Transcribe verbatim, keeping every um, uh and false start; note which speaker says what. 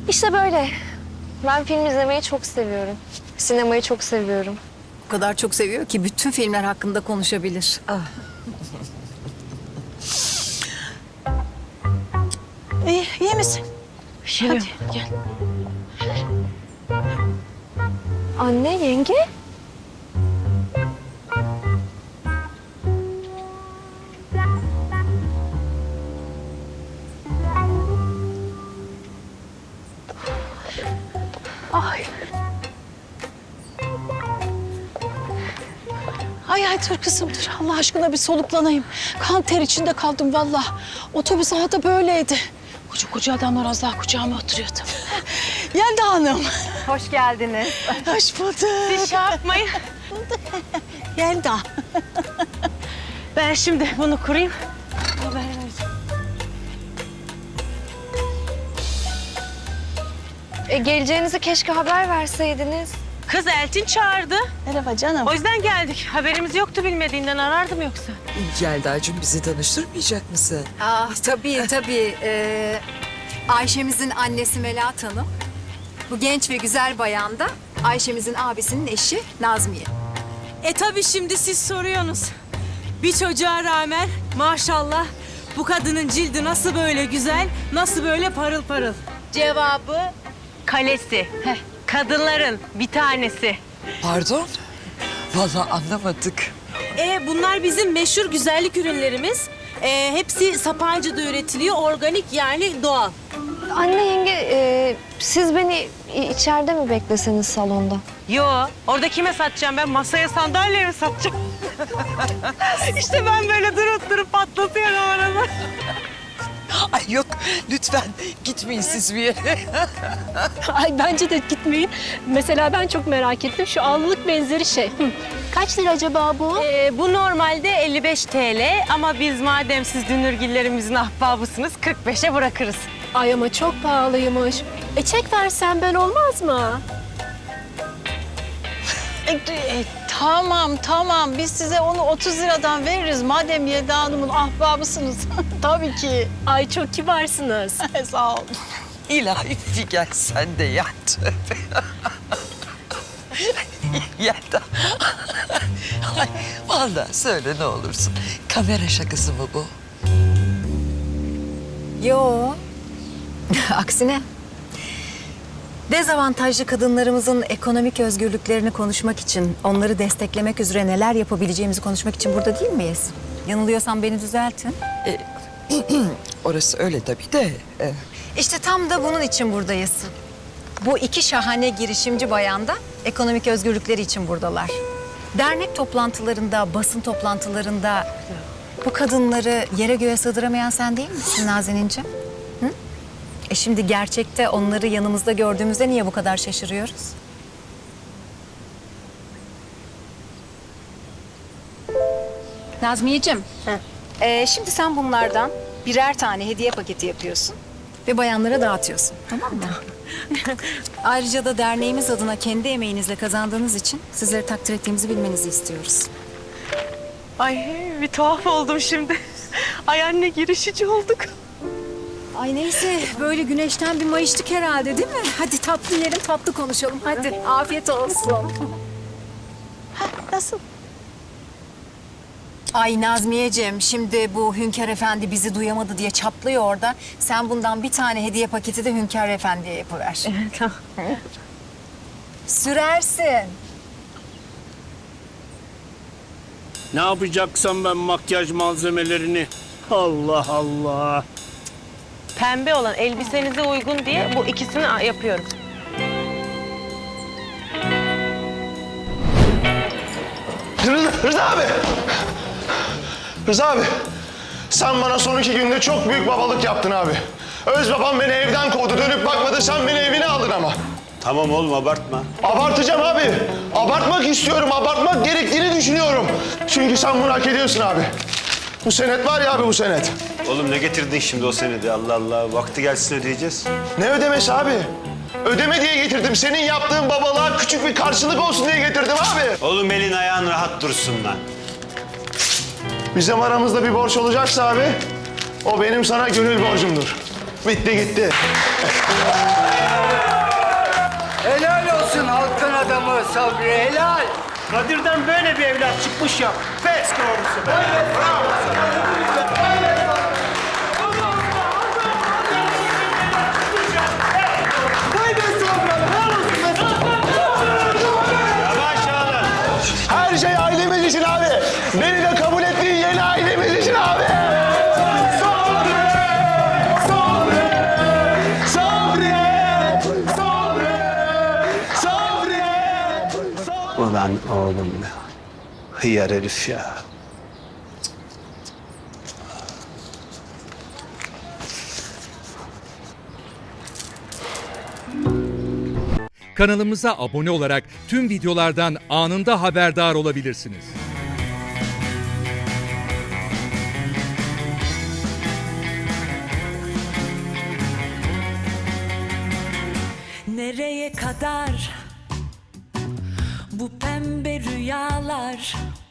Speaker 1: İşte böyle. Ben film izlemeyi çok seviyorum. Sinemayı çok seviyorum.
Speaker 2: O kadar çok seviyor ki bütün filmler hakkında konuşabilir.
Speaker 3: İyi, iyi misin?
Speaker 1: Hadi gel. Anne, yenge.
Speaker 3: Ay. Ay ay dur kızım dur. Allah aşkına bir soluklanayım. Kan ter içinde kaldım vallahi. Otobüs havada böyleydi. Koca koca adamlar az daha kucağıma oturuyordu. Yelda Hanım.
Speaker 2: Hoş geldiniz.
Speaker 3: Hoş bulduk.
Speaker 4: Siz şey yapmayın.
Speaker 3: Yelda.
Speaker 4: Ben şimdi bunu kurayım.
Speaker 1: E, geleceğinizi keşke haber verseydiniz.
Speaker 4: Kız Elçin çağırdı.
Speaker 3: Merhaba canım.
Speaker 4: O yüzden geldik. Haberimiz yoktu, bilmediğinden arardım yoksa.
Speaker 5: Yelda'cığım bizi tanıştırmayacak mısın?
Speaker 2: Ah, tabii tabii. Ee, Ayşemizin annesi Melahat Hanım. Bu genç ve güzel bayan da Ayşemizin abisinin eşi Nazmiye.
Speaker 6: E tabii şimdi siz soruyorsunuz. Bir çocuğa rağmen maşallah bu kadının cildi nasıl böyle güzel, nasıl böyle parıl parıl.
Speaker 4: Cevabı kalesi. Heh, kadınların bir tanesi.
Speaker 5: Pardon? Vallahi anlamadık.
Speaker 6: E bunlar bizim meşhur güzellik ürünlerimiz. E, hepsi Sapanca'da üretiliyor, organik yani doğal.
Speaker 1: Anne, yenge, e, siz beni i- içeride mi bekleseniz salonda?
Speaker 4: Yo, orada kime satacağım ben? Masaya sandalyeye mi satacağım? İşte ben böyle durup durup patlatıyorum arada.
Speaker 5: Ay yok lütfen gitmeyin siz bir yere.
Speaker 7: Ay bence de gitmeyin. Mesela ben çok merak ettim. Şu allık benzeri şey. Hı. Kaç lira acaba bu?
Speaker 4: Ee, bu normalde elli beş T L ama biz madem siz dünürgillerimizin ahbabısınız kırk beşe bırakırız.
Speaker 7: Ay ama çok pahalıymış. E çek versen ben olmaz mı?
Speaker 3: E, e, tamam tamam biz size onu otuz liradan veririz. Madem Yelda Hanım'ın ahbabısınız. Tabii ki.
Speaker 7: Ay çok kibarsınız.
Speaker 3: Sağ ol.
Speaker 5: İlahi Figen sen de yat. Yelda. Ay, vallahi söyle ne olursun. Kamera şakası mı bu?
Speaker 2: Yo. Aksine. Dezavantajlı kadınlarımızın ekonomik özgürlüklerini konuşmak için, onları desteklemek üzere neler yapabileceğimizi konuşmak için burada değil miyiz? Yanılıyorsam beni düzeltin.
Speaker 5: Orası öyle tabii de. e,
Speaker 2: İşte tam da bunun için buradayız. Bu iki şahane girişimci bayan da ekonomik özgürlükleri için buradalar. Dernek toplantılarında, basın toplantılarında bu kadınları yere göğe sığdıramayan sen değil misin Nazenin'ciğim? Hı? E şimdi gerçekte onları yanımızda gördüğümüzde niye bu kadar şaşırıyoruz? Nazmiyeciğim, e, şimdi sen bunlardan birer tane hediye paketi yapıyorsun ve bayanlara dağıtıyorsun, tamam mı? Ayrıca da derneğimiz adına kendi emeğinizle kazandığınız için sizleri takdir ettiğimizi bilmenizi istiyoruz.
Speaker 4: Ay bir tuhaf oldum şimdi. Ay anne girişici olduk.
Speaker 2: Ay neyse, böyle güneşten bir mayıştık herhalde değil mi? Hadi tatlı yiyelim, tatlı konuşalım. Hadi, afiyet olsun.
Speaker 3: Nasıl?
Speaker 2: Ay Nazmiyeciğim, şimdi bu Hünkar Efendi bizi duyamadı diye çatlıyor orada. Sen bundan bir tane hediye paketi de Hünkar Efendi'ye yapıver.
Speaker 4: Tamam.
Speaker 2: Sürersin.
Speaker 8: Ne yapacaksam ben makyaj malzemelerini? Allah Allah.
Speaker 4: Pembe olan elbisenize uygun diye bu ikisini yapıyorum.
Speaker 9: Rıza, Rıza abi! Rıza abi, sen bana son iki günde çok büyük babalık yaptın abi. Öz babam beni evden kovdu, dönüp bakmadı, sen beni evine aldın ama.
Speaker 8: Tamam oğlum abartma.
Speaker 9: Abartacağım abi. Abartmak istiyorum, abartmak gerektiğini düşünüyorum. Çünkü sen bunu hak ediyorsun abi. Bu senet var ya abi, bu senet.
Speaker 8: Oğlum ne getirdin şimdi o senedi? Allah Allah. Vakti gelsin ödeyeceğiz.
Speaker 9: Ne ödemesi abi? Ödeme diye getirdim. Senin yaptığın babalığa küçük bir karşılık olsun diye getirdim abi.
Speaker 8: Oğlum elin ayağın rahat dursun lan.
Speaker 9: Bizim aramızda bir borç olacaksa abi, o benim sana gönül borcumdur. Bitti gitti.
Speaker 10: Helal olsun halkın adamı Sabri, helal.
Speaker 8: Kadir'den böyle bir evlat çıkmış ya. Pes doğrusu be. Yavaş oğlum.
Speaker 9: Her şey ailemiz için abi. Beni de kabul ettiğin yeni ailemiz için abi. Sabri! Sabri! Sabri! Sabri! Sabri!
Speaker 10: Ulan oğlum ya. Hıyar herif ya.
Speaker 11: Kanalımıza abone olarak tüm videolardan anında haberdar olabilirsiniz.
Speaker 6: Nereye kadar bu pembe rüyalar?